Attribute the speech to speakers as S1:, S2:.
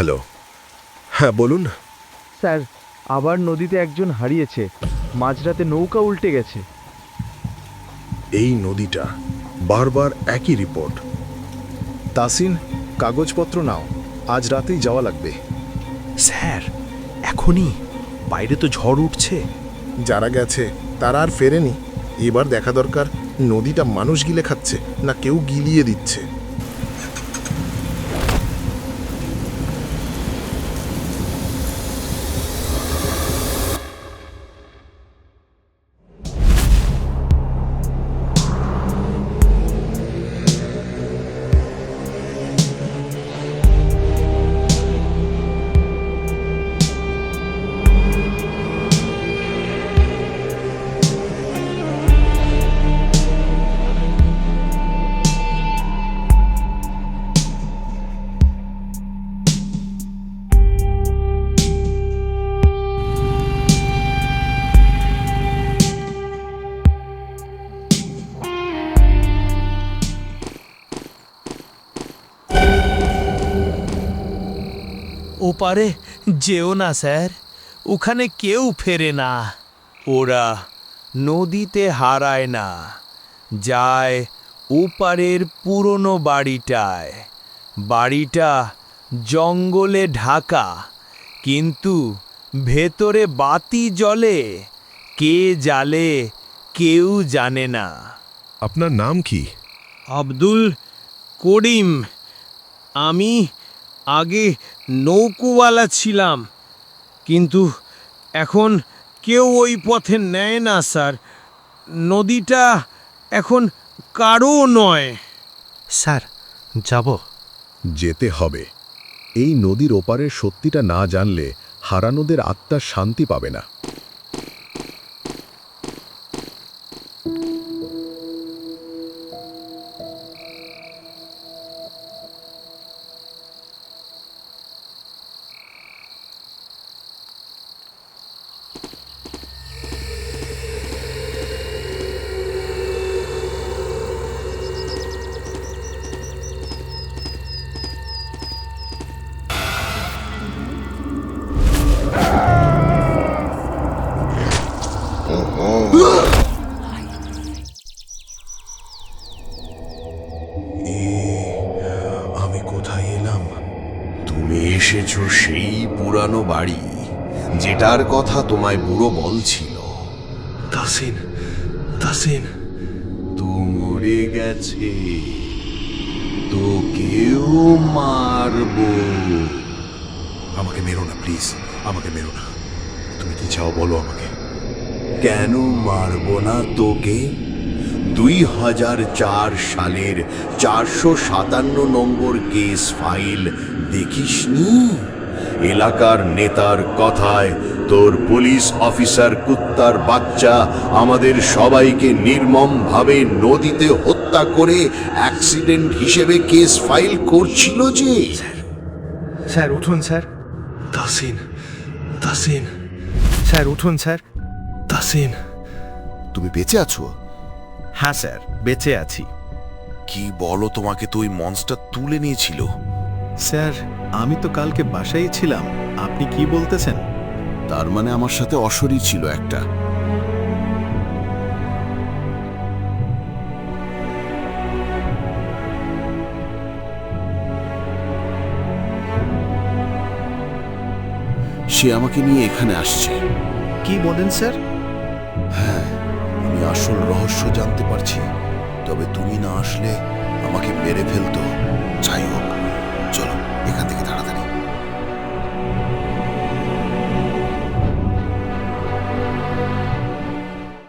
S1: Hello. হ্যাঁ বলুন।
S2: Sir, আবার নদীতে একজন হারিয়েছে। মাঝরাতে নৌকা উল্টে গেছে।
S1: এই নদীটা, বারবার একই রিপোর্ট।
S3: তাসিন, কাগজপত্র নাও, আজ রাতেই যাওয়া লাগবে।
S4: স্যার, এখনই? বাইরে তো ঝড় উঠছে।
S5: যারা গেছে তারা আর ফেরেনি। এবার দেখা দরকার নদীটা মানুষ গিলে খাচ্ছে না কেউ গিলিয়ে দিচ্ছে।
S6: ওপারে যেও না স্যার, ওখানে কেউ ফেরে না। ওরা নদীতে হারায় না, যায় ওপারের পুরনো বাড়িটায়। বাড়িটা জঙ্গলে ঢাকা, কিন্তু ভেতরে বাতি জ্বলে। কে জ্বালে কেউ জানে না।
S1: আপনার নাম কি?
S6: আব্দুল করিম। আমি আগে নৌকোওয়ালা ছিলাম, কিন্তু এখন কেউ ওই পথে নেয় না স্যার। নদীটা এখন কারও নয়।
S4: স্যার, যাব?
S1: যেতে হবে। এই নদীর ওপারের সত্যিটা না জানলে হারানোদের আত্মা শান্তি পাবে না।
S7: আমি কোথায় এলাম? তুমি এসেছো সেই পুরানো বাড়ি যেটার কথা তোমায় বুড়ো বলছিল।
S4: তাসিন, তাসিন।
S7: তো মরে গেছে, তো কেউ মারবো।
S1: আমাকে মেরো না প্লিজ, আমাকে মেরো না। তুমি কি চাও বলো আমাকে।
S7: কেন মারবো না তোকে? 2004 সালের 457 নম্বর কেস ফাইল দেখিসনি? এলাকার নেতার কথায় তোর পুলিশ অফিসার কুত্তার বাচ্চা আমাদের সবাইকে নির্মমভাবে নদীতে হত্যা করে অ্যাক্সিডেন্ট হিসেবে কেস ফাইল করছিল যে।
S3: স্যার উঠুন স্যার।
S4: তাসিন, তাসিন। স্যার উঠুন স্যার। তাসিন।
S8: তুমি বেঁচে আছো?
S4: হ্যাঁ স্যার, বেঁচে আছি।
S8: কি বলো, তোমাকে তো ওই মনস্টার তুলে নিয়েছিল?
S3: স্যার, আমি তো কালকে বাসায় ছিলাম। আপনি কি বলতেছেন?
S8: তার মানে আমার সাথে অশরী ছিল একটা। সে আমাকে নিয়ে এখানে আসছে।
S3: কি বলেন স্যার?
S8: হ্যাঁ, আমি আসল রহস্য জানতে পারছি। তবে তুমি না আসলে আমাকে মেরে ফেলতো। যাই হোক,